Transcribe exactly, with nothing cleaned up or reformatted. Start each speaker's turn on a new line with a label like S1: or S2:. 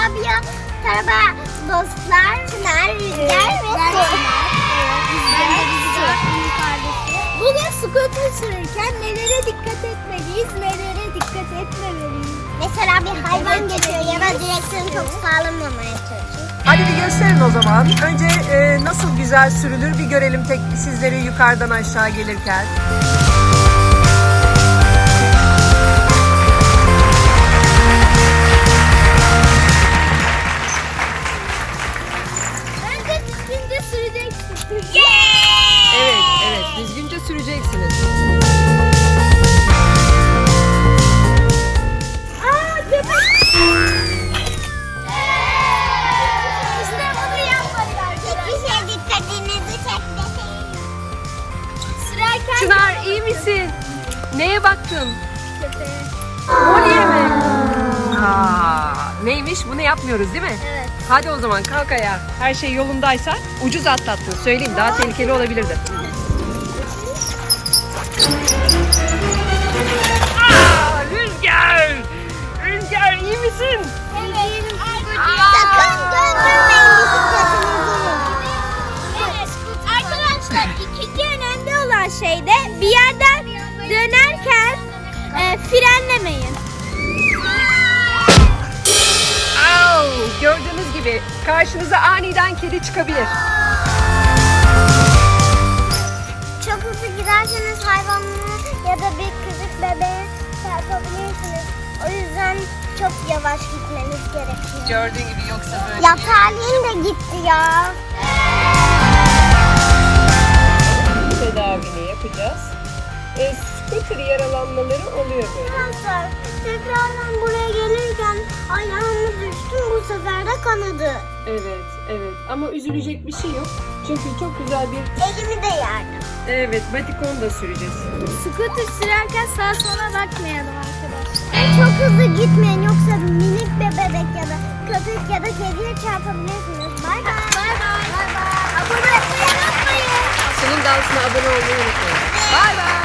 S1: Rabia, Merhaba dostlar, Çınar, Rüzgar ve Selin. Ben de Rüzgar. Bugün scooter sürerken nelere dikkat etmeliyiz, nelere dikkat etmemeliyiz? Mesela bir hayvan geçiyor ya da direksiyonu çok sağlamamaya çalışıyor.
S2: Hadi bir gösterin o zaman. Önce e, nasıl güzel sürülür bir görelim tek sizleri yukarıdan aşağı gelirken.
S1: Önce düzgünce süreceksin.
S2: Evet, evet. Düzgünce süreceksiniz.
S1: Aa, köpek! İşte bunu yapmadık arkadaşlar. Hiçbir şey dikkatinizi çekmesin. Sürerken
S2: Çınar iyi misin? Neye baktın?
S1: köpeğe.
S2: Kolye mi? Aa, neymiş? Bunu yapmıyoruz değil mi?
S1: Evet.
S2: Hadi o zaman kalk ayağa. Her şey yolundaysa ucuz atlattın. Söyleyeyim daha tehlikeli olabilirdi. Aa, Rüzgar! Rüzgar iyi misin?
S1: Evet. Sakın döndürmeyin bisikletinizi. Evet. Arkadaşlar ikinci önemli olan şey de bir yerden dönerken e, frenlemeyin.
S2: Au, gördüğünüz gibi karşınıza aniden kedi çıkabilir.
S1: Çok hızlı giderseniz hayvanları ya da bir küçük bebeği çarpabilirsiniz. O yüzden çok yavaş gitmeniz gerekiyor.
S2: Gördüğün gibi yoksa böyle.
S1: Ya Talin de gitti ya.
S2: Tedavini yapacağız. E, scooter yaralanmaları oluyor böyle.
S1: Arkadaşlar tekrardan buraya gelirken ayağımı düştüm, bu sefer de kanadı.
S2: Evet, evet. Ama üzülecek bir şey yok. Çünkü çok güzel bir...
S1: Elimi de yardım.
S2: Evet, batikon da süreceğiz.
S1: Scooter sürerken sağa sola bakmayalım arkadaşlar. Çok hızlı gitmeyin yoksa minik bir bebek ya da köpek ya da kediye çarpabilirsiniz. Bay bay. Bay bay. Bay bay. Abone olmayı unutmayın.
S2: Senin dansına abone olmayı unutmayın. Bay bay.